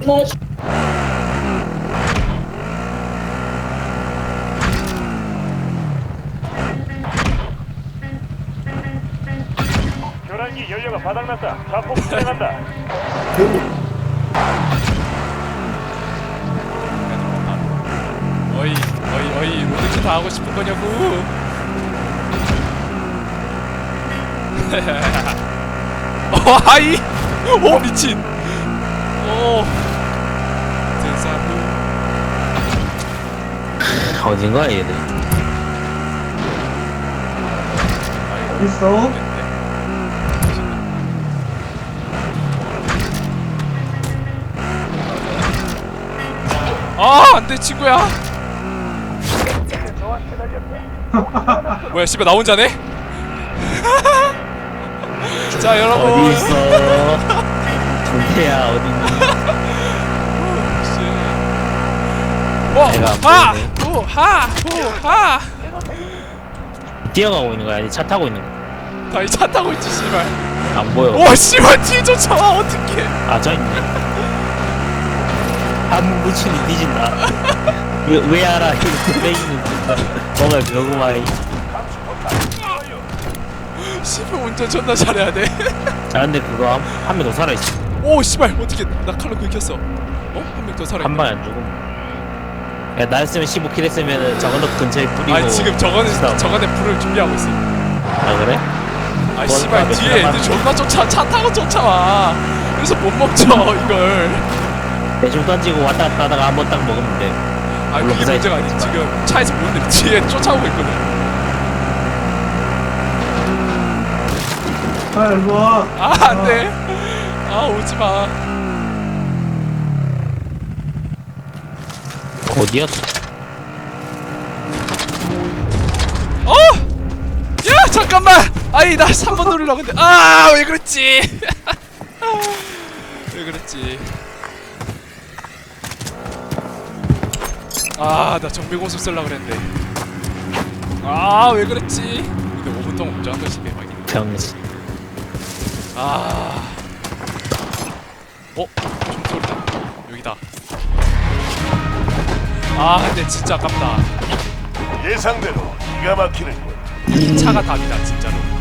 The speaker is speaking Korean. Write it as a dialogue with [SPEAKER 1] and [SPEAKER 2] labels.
[SPEAKER 1] 교란기 연료가 바닥났다. 자폭 진행한다.
[SPEAKER 2] 어이 로드킬 다 하고 싶은 거냐고. 아이 오 미친. 오 세상에.
[SPEAKER 3] 어딘가 얘들.
[SPEAKER 4] 있어?
[SPEAKER 2] 아 안돼 친구야. 뭐야 씨발 나 혼자네? 자 여러분
[SPEAKER 3] 어디 있어? 동태야 어딨니? 내가 안 보이네.
[SPEAKER 2] 하하
[SPEAKER 3] 뛰어가고 있는 거야? 아니 차 타고 있는 거야?
[SPEAKER 2] 나 이 차 타고 있지 씨발.
[SPEAKER 3] 안 보여.
[SPEAKER 2] 와 씨발 뒤에 쫓아와 어떡해.
[SPEAKER 3] 아 저 있네. 한 무침이 뒤진다. 왜 알아? 이렇게 빼기는 뭔가 그거구만.
[SPEAKER 2] 씨발 운전 존나 잘해야 돼.
[SPEAKER 3] 자 근데 그거 한 명 더 살아있어.
[SPEAKER 2] 오 씨발 어떻게 나 칼로 긁혔어. 어? 한 명 더 살아있네.
[SPEAKER 3] 한 방에 안 죽음. 야 나였으면 15킬 했으면은 저건너 근처에 뿌리고.
[SPEAKER 2] 아니 지금 저거는 불을 준비하고 있어.
[SPEAKER 3] 아 그래?
[SPEAKER 2] 아 씨발 뒤에 애들 존나 차 타고 쫓아와. 그래서 못 먹죠 이걸.
[SPEAKER 3] 대충 던지고 왔다 갔다 하다가 한 번 딱 먹으면 돼.
[SPEAKER 2] 아
[SPEAKER 3] 물론
[SPEAKER 2] 그게 문제가 아니지. 지금 차에서 보는데 뒤에 쫓아오고 있거든.
[SPEAKER 4] 아, 일로 와.
[SPEAKER 2] 아 안돼. 아 오지마.
[SPEAKER 3] 어디였어?
[SPEAKER 2] 어? 야 잠깐만. 아이 나 3번 누르려고 했는데 아 왜 그랬지. 왜 그랬지. 아 나 정비공수 쓰려고 그랬는데 아 왜 그랬지. 근데 5분 동안 운전한 거지 대박이네.
[SPEAKER 3] 병신.
[SPEAKER 2] 아 총소리다. 여기다. 아 근데 진짜 아깝다.
[SPEAKER 1] 예상대로 기가 막히는 군.
[SPEAKER 2] 이 차가 답이다 진짜로.